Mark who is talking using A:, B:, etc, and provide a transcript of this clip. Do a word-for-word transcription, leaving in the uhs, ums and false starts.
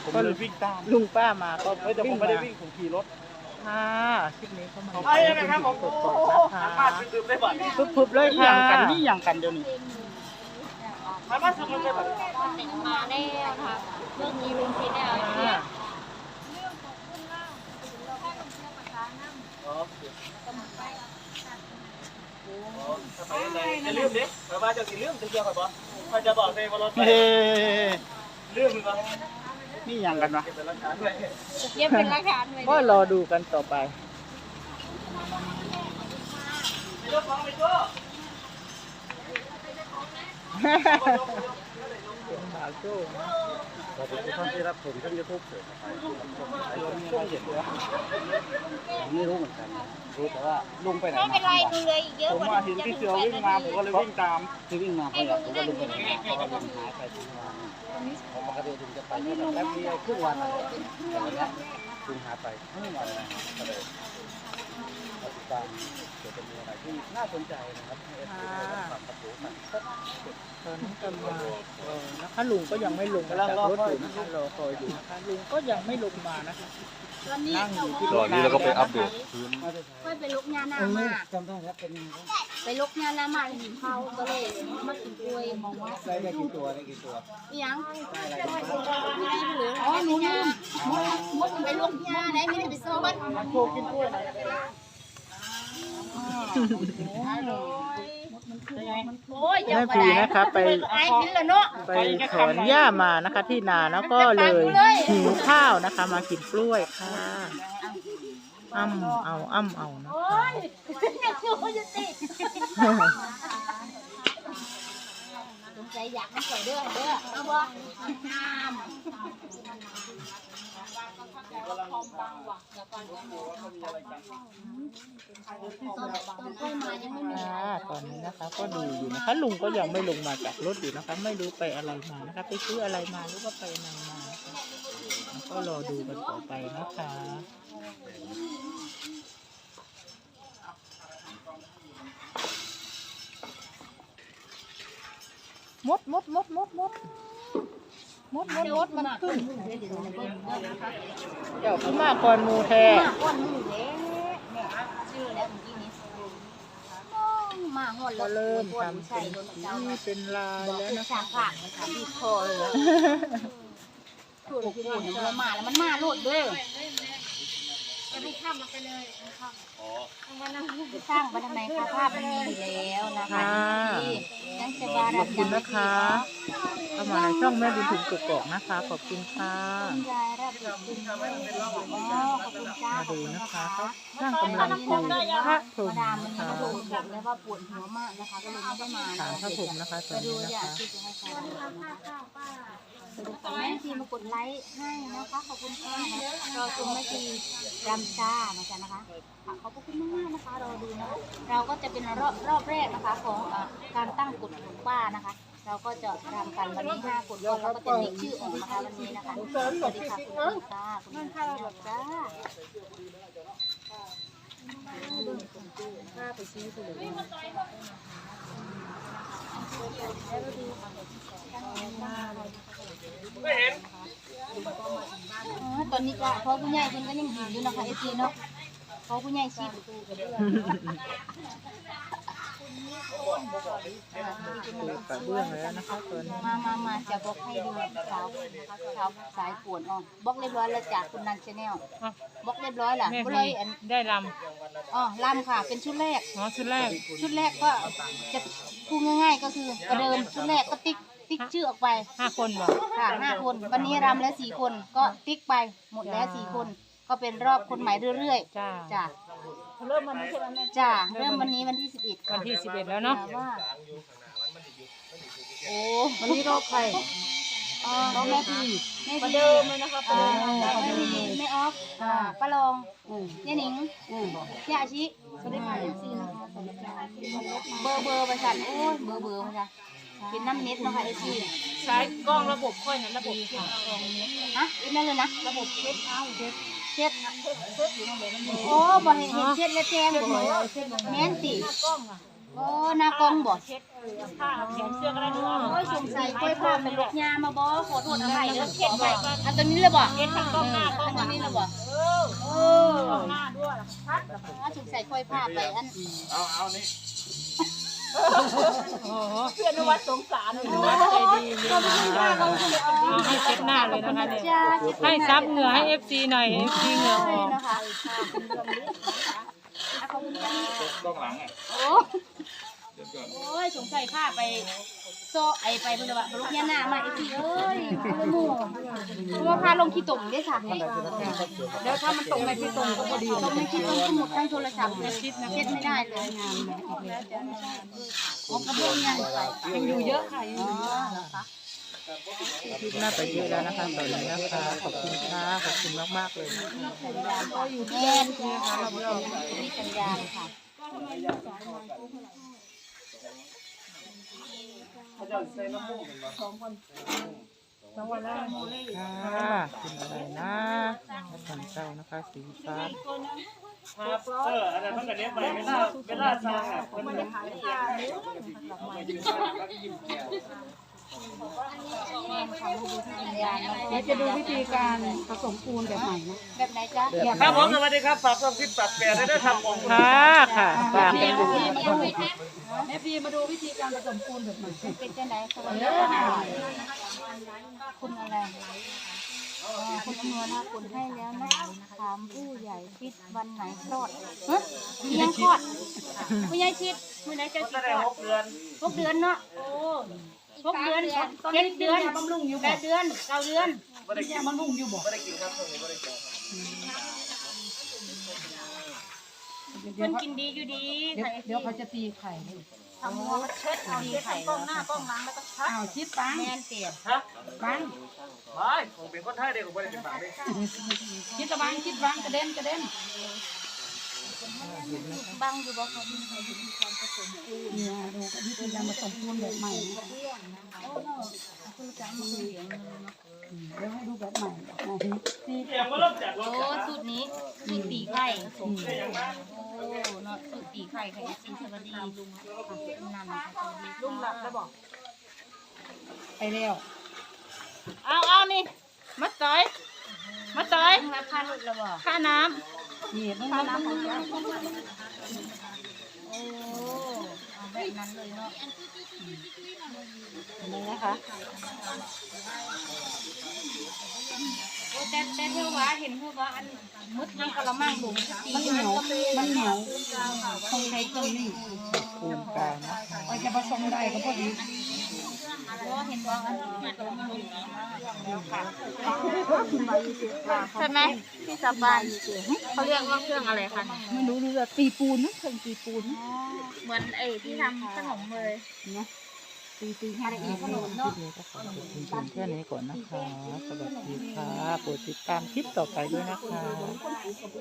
A: ผมเลยวิ่งตาม
B: ลุงป้ามาก็
A: เฮ้ยแต่ผมไม่ได้วิ่งผมขี่รถ
B: ค่ะคลิปนี้เข้ามา
A: ไอ้นะครับผม
B: กด
A: โอ้
B: กด
A: โห
B: นะคะ
A: มาดื่มได้บ่อย
B: ทุบๆเลย
A: นี่
B: ค่ะ
A: อย่างกันนี่อย่างกันเดี๋ยวนี้มามาสุดเลยแบบ
C: มาแล้วนะคะเรื่องนี้ลุงคิดแล้วเนี่ย
A: ไปยังไงจะลืมดิไปว่าจะกินลืมจะเกี่ยวกับบ่ถ้าจะบอกเลยว่ารถไปลืมหรือเปล่านี่อย่างกันวะเก็บเป็นหลักฐานไว้
C: เย็บเป็นหลักฐานไว้
B: ก็รอดูกันต่อไป
A: ไปยกของไปตัว
B: เป็นบ่าวโจ้นะ
A: ขอบคุณทุกท่านที่รับชมช่องยูทูบเสือช่วงเย็นไม่รู้เหมือนกันรู้แต่ว่าลุงไปไหน
C: ไม่เป็นไรดูเลยอีกเยอะ
A: ผม
C: กว่า
A: มาเห็นพี่เสือวิ่งมาผมก็เลยวิ่งตามที่วิ่งมา
C: ให้
A: เขาอ
C: ลุ
A: ยาก
C: ง
A: รู้ว่า
C: นั่ง
A: ลุง
C: อยู่
A: ไปไหน
C: ในไหน
A: เพราะว่าลุงหายไปทุกวันปกติลุงจะไปแค่แบบแป๊บเดียวครึ่งวันอะไรแต่วันนี้ลุงหายไปครึ่งวันนะก็เลยมาติดตามเดี๋ยวจะมีอะไรที่น่าสนใจนะครับให้เอฟซีได้รับความรู้กัน
B: ตอนนี้กำลังเออนะคะลุงก็ยังไม่ลงมาจากรถอยู่นะคะรอคอยอยู่นะคะลุงก็ยังไม่ลงมานะคะนั่งอยู่ที่ร
D: ตอ
B: ถ
D: นนี้เราก็ไปอัปเดตพื้น
C: ค่อยไปลุกงานหน้ามา
A: จำได้ครับเป็นยังไงครับ
C: ไปลุกงานหน้ามาหินเขาก็เลยมากินกล้วยมองว่า
A: ได้ได้กี่ตัวได้กี่ตัว
C: อีหยัง
A: ได้อะไร
C: อ๋อหนูลืมมดไปลุกงานไหนไม่ได้ไปซ้อม
A: โชว์กินกล้วย
C: โอ้ย
B: แม่พีนะคะไป
C: ไอ้กินแล้วเนาะ
B: ไปถอนหญ้ามานะคะ ที่นาแล้วก็เลยหิวข้าวนะคะ มากินกล้วยค่ะอ้ำเอาอ้ำเอานะ
C: โอ้
B: คะ
C: ยเนี่ยคือเขาจะติดสงสัยอยากให้ใส่เด้อเด้อเอาบ่น้ำตอนค่อยมายังไม่มี
B: ค่ะตอนนี้นะคะ ก็ดูอยู่นะคะ ลุงก็ยังไม่ลงมาจากรถอยู่นะคะ ไม่รู้ไปอะไรมานะคะ ไปซื้ออะไรมาหรือว่าไปไหนมานะคะแล้วก็รอดูกันต่อไปนะคะ มดมดมดมดมดมดมดมดมันขึ้นเดี๋ยวขึ้นมาก่อนหมูแท้
C: มาก้อนมือเด้เนี่ยชื่อแล้วเมื่อกี้นี้มาหด
B: ก็
C: แล้ว
B: เริ่ม
C: ทำ
B: ทำ
C: ใส่
B: เป็น
C: รถ
B: สี
C: เจ้า
B: เป็นลาย
C: บอก
B: แล้ว
C: เป็น
B: นะ
C: สา
B: คะ
C: งผักนะคะที่คอเลยถูกถูกมันมาแล้วมันมาโลดเด้อจะให้ข้ามมาไปเลยสร้างไปทำไมคะภาพมันมีอยู่แล้วนะคะที่นั่นจะบา
B: ข
C: รั
B: อบคุณนะคะเข้ามาในช่องแม่บุญถึงกกอกนะคะขอบคุณค่ะ
C: คุณยายรับคุณอ๋อขอบคุณจ้า
B: มาดูนะคะเขาสร้างกำลังปลูกพระพรห
C: มาม ดามวัน
B: นะ
C: นี้
B: คะ
C: มาดูบอกเลยว่าปวดหัวมากนะคะก็เลยไม่ได้มา
B: ฐานพระพรหมนะคะตอน
C: ดู
B: นี้นะ
C: อยาก
B: คะ
C: ที่จะให้ใครแม่ทีมากดไลค์ให้นะคะขอบคุณค่ะรอชมแม่ทีรำจ้านะจ๊ะนะคะขอบคุณมากๆนะคะรอดูนะคะเราก็จะเป็นรอบรอบแรกนะคะของการตั้งกฎของป้านะคะ เราก็จะทำกันวันนี้ห้ากฎก่อนเราก็จะมีชื่อออกนะคะวันนี้นะคะสวัสดีค่ะคุณพี่จ้าคุณพี่จ้าจ้าป้าไปซื้อสุดเลย
A: ไม่เห็น
C: ตอนนี้ก็พอผู้ใหญ่เพิ่นก็ยังหิวอยู่นะคะเอซีเนาะพอผู้ใหญ่ชิด
B: ดูกระเบื้องแล้วนะคะตอนนี้
C: มามามาจะบอกให้ดูสาวสาวสายปวดอ๋อบล็อกเรียบร้อยแล้วจากคุณนันชาแนลบล็อกเรียบร้อยล่ะก็เลยอัน
B: ได้ล
C: อ๋อลำค่ะ เป็นชุดแรก
B: ำอ๋อชุดแรก
C: ชุดแรกก็จะพูดง่ายๆก็คือประเดิมชุดแรกก็ติ๊กติ๊กชื่อออกไป
B: ห้าคนบอก
C: ค่ะห้าคนวันนี้รำแล้วสี่คนก็ติ๊กไปหมดแล้วสี่คนก็เป็นรอบคนใหม่เรื่อย
B: จ้า
C: ๆจ้า
B: เริ่มวันนี้ใช่ไหมแม่
C: จ้าเริ่มวันนี้วันที่สิบเอ็ด
B: วันที่สิบเอ็ดแล้วเนาะ
C: ว่าโอ้
B: วันนี้รอบใคร
C: อ๋อแม่พี่แม่พี่เดิมเลยนะคะป้าแม่พี่แม่ออฟป้าลองย่าหนิงย่าอาชิสวัสดีค่ะเอฟซีนะคะเบอร์เบอร์ประชันโอ้ยเบอร์เบอร์มาจ้ะเป็นน้ำเน็ตเนาะค่ะเอฟซี
B: ใช้กล้องระบบค่อยนะระบบค่ะ
C: ฮะอีกนั่นเลยนะ
B: ระบบเช็ดเอาเช็ด
C: เช็ดโอ้บ่เห็นเห็นเช็ดแล้วแจ้งบ่แม่นติ
B: กล้องอ่ะ
C: โอ้หน้ากล้องบ่
B: เช็ดผ้าแขนเสื้อก็ได้ด้วย
C: โอ้ยสงสัยค่อยพาไปลกยามาบ่ขอโทษอภัยเด้อขอไปอันตัวนี้เลยบ่
B: เช็ดทั้งกล้องหน้ากล้อง
C: อันตัวนี้เลยบ่
B: เออ
C: เออ
B: หน้าด้วยชัด
C: อ๋อสงสัยค่อยพาไปอัน
A: เอาเอานี่
B: โอ้โหเพื่อนวัดสงสารนวัดใจดีเลยนะให้เช็ดหน้าเลยนะคะเนี่ยให้ซับเหงื่อให้เอฟซีหน่อยเอฟซีเหงื่อออก
C: นะคะ
A: กล้องหลังอ่ะ
C: โอ้โอ้ยสงสัยพาไปโซไอไปเพิ่นว่าลูกยาหน้ามาไอ้พี่เอ้ยโอ้โหเพราะว่าพาลงขี้ตุ่มได้ค่ะเดี๋ยวถ้ามันตกในขี้ตุ่มก็พอดีตกในขี้ตุ่มก็หมดทั้งโทรศัพท์เลยคิดนะเช็ดไม่ได้เลยงานของกระเบื้องยังใส่ยังอยู่เยอะค่ะยังอยู่เยอะนะคะ
B: คืบหน้าไปเยอะแล้วนะคะตอนนี้นะคะขอบคุณค่ะขอบคุณมากๆเลย
C: สัญญาณก็อยู่ที่แม่นะคะเราเราที่สัญญาณค่ะ
A: เขาจะใส่น้ำมูกเป็นสองคน
B: ค่ะเป็นอะไรนะทางเจ้านะคะสีฟ้า
A: ครับเอออะไรเพิ่งกันเนี้ยไปเวลาเวลาสร้างอ่ะเพิ่นมันยิ้มแก้ว
C: เดี๋ยวจะดูวิธีการผสมปูนแบบใหม่นะแบบไหนจ๊ะ
A: ครับผมสวัสดีครับฝากความคิดปัดแปรได้ด้วยครับผม
B: ค่ะค่ะฝากไปดู
C: แม่พีมาดูวิธีการผสมปูนแบบใหม่เป็นจังไดสวัสดีคุณอะไรคุณอำนวยนะคุณให้แล้วนะถามผู้ใหญ่คิดวันไหนคลอดเฮ้ยยังคลอดผู้ใหญ่คิดผู้ใหญ่จะ
A: ก็
C: คิด
A: ได้
C: คลอ
A: ห
C: ด
A: กเดือน
C: หกเดือนเนาะโอ้หกเดือนเจ็ดเดือนบำรุงอยู่แปดเดือนเก้าเดือน
A: ไม่ได้กินบำรุงอยู่บ่ไม่ได้กินครับช่วงนี้ไม่ได้กิน
C: มันกินดีอยู่ดีเดี๋ยวเขาจะตีไข่ทำหัวเช็ดเอาดีไข่กล้องหน้ากล้องหลังแล้วก็ชัดอ้าวชิดปังแมนเสียบ
A: ฮะ
C: ปัง
A: ไม่ผมเป็นคนไทยเด็กผมไม่ได้เป็นบาปเลย
C: ชิดตะบังชิดบังกระเด็นกระเด็นบังอยู่บ่เขามีการผสมปูนเนี่ยดูกับวิธีการผสมปูนแบบใหม่โอ้โหคือจะมาเลี้ยงเดี๋ยวให้ดูแบบใหม่แบบใหม่ตี
A: เสียงมาเริ่มจากรถ
C: โอ้สูตรนี้สูตรตีไข่โอ้เนาะสูตรตีไข่ไข่ซีสวัสดีลุงนั่นค่ะสวัสดีลุงหลับแล้วบอกไปแล้ว
B: เอาเอานี่มาต่อยมาต่อย
C: ลุงรับค่าลูกแล้วบอก
B: ค่าน้
C: นี่ลุงรับน้ำของเจ้าโอ้เอาแบบนั้นเลยเนาะนี่นะคะโอ้แต่แต่เธอว่าเห็นเธอว่าอันมุดยังกะละมังบุ๋มมันเหนียวมันเหนียวต้องใช้เครื่องนี่
B: ำปูนกลางนะ
C: ไว้จะผสมได้ก็พอดีก็เห็นว่าอันนี้กะละมังบุ๋มใช่ไหมที่สบายเขาเรียกว่าเครื่องอะไรคะไม่รู้เรื่องตีปูนนะเครื่องตีปูนเหมือนไอ้ที่ทำขนมเลยนะตีตีให้ละเอียดขนม
B: คลิ
C: เนาะ
B: ปนี้ก็ขอจบเพียงแค่นี้ก่อนนะคะ สวัสดีค่ะโปรดติดตามคลิปต่อไปด้วยนะคะ